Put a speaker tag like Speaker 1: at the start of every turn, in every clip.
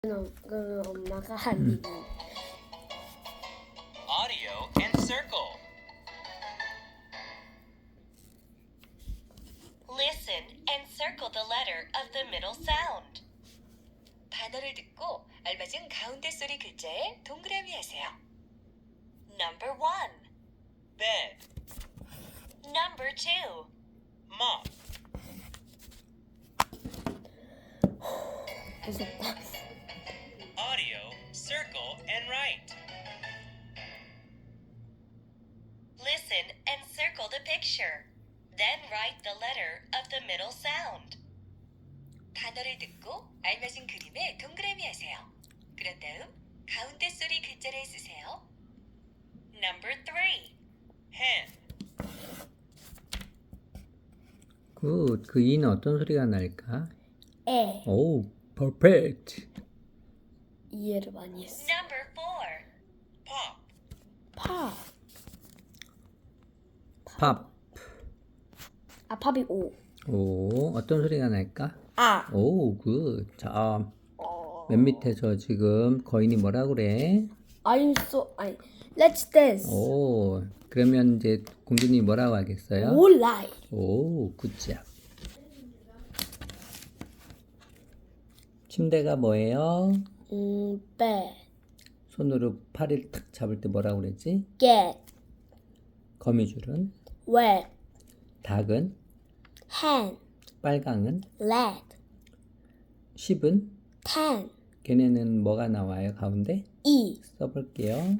Speaker 1: 그 엄마가 한
Speaker 2: Audio and circle.
Speaker 3: Listen and circle the letter of the middle sound. 단어를 듣고 알맞은 가운데 소리 글자에 동그라미 하세요. Number 1,
Speaker 2: Bed.
Speaker 3: Number 2,
Speaker 2: Mop.
Speaker 1: 무섭다.
Speaker 2: Audio, circle, and write.
Speaker 3: Listen and circle the picture. Then write the letter of the middle sound. 단어를 듣고 알맞은 그림에 동그라미 하세요. 그런 다음 가운데 소리 글자를 쓰세요. Number 3,
Speaker 2: Hen.
Speaker 4: 굿. 그 이는 어떤 소리가 날까?
Speaker 1: 에
Speaker 4: 오, 퍼펙트.
Speaker 1: 이해를 많이 했어.
Speaker 3: Number 4,
Speaker 2: Pop.
Speaker 1: 팝.
Speaker 4: 팝.
Speaker 1: 팝이 오.
Speaker 4: 오, 어떤 소리가 날까?
Speaker 1: 아.
Speaker 4: 오, 굿. 자, 맨 밑에서 지금 거인이 뭐라 그래?
Speaker 1: 아니, let's dance.
Speaker 4: 오, 그러면 이제 공주님이 뭐라고 하겠어요?
Speaker 1: 올라이.
Speaker 4: 오, 굿잡. 침대가 뭐예요?
Speaker 1: bed,
Speaker 4: 손으로 팔을 탁 잡을 때 뭐라고 그랬지?
Speaker 1: get,
Speaker 4: 거미줄은?
Speaker 1: wet,
Speaker 4: 닭은?
Speaker 1: hand,
Speaker 4: 빨강은?
Speaker 1: leg,
Speaker 4: 10은?
Speaker 1: ten,
Speaker 4: 걔네는 뭐가 나와요? 가운데?
Speaker 1: e,
Speaker 4: 써볼게요.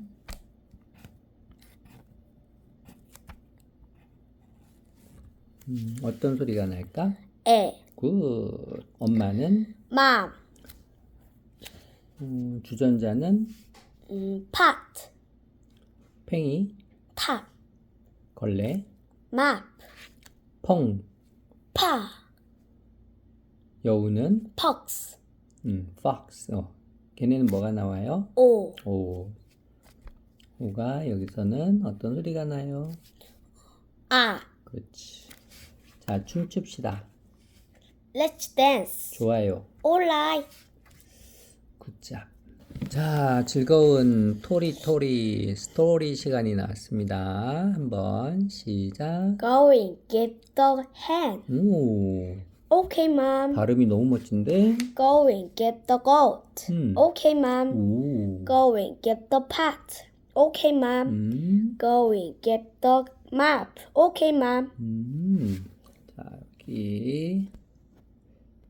Speaker 4: 어떤 소리가 날까?
Speaker 1: 에,
Speaker 4: 굿. 엄마는?
Speaker 1: mom,
Speaker 4: 주전자는?
Speaker 1: pot,
Speaker 4: 팽이?
Speaker 1: top,
Speaker 4: 걸레?
Speaker 1: map,
Speaker 4: 펑.
Speaker 1: pa,
Speaker 4: 여우는?
Speaker 1: pox,
Speaker 4: fox. 걔네는 뭐가 나와요?
Speaker 1: o,
Speaker 4: 오. 오가 여기서는 어떤 소리가 나요?
Speaker 1: 아.
Speaker 4: 그렇지. 자, 춤춥시다.
Speaker 1: Let's dance.
Speaker 4: 좋아요.
Speaker 1: 올라이.
Speaker 4: 굿잡. 자, 즐거운 토리토리 스토리 시간이 나왔습니다. 한번 시작.
Speaker 1: Going, give the hand.
Speaker 4: 오,
Speaker 1: Okay, mom.
Speaker 4: 발음이 너무 멋진데?
Speaker 1: Going, give the goat. Okay, mom.
Speaker 4: 오.
Speaker 1: Going, give the pot. Okay, mom. Going, give the map. Okay, mom.
Speaker 4: 자, 여기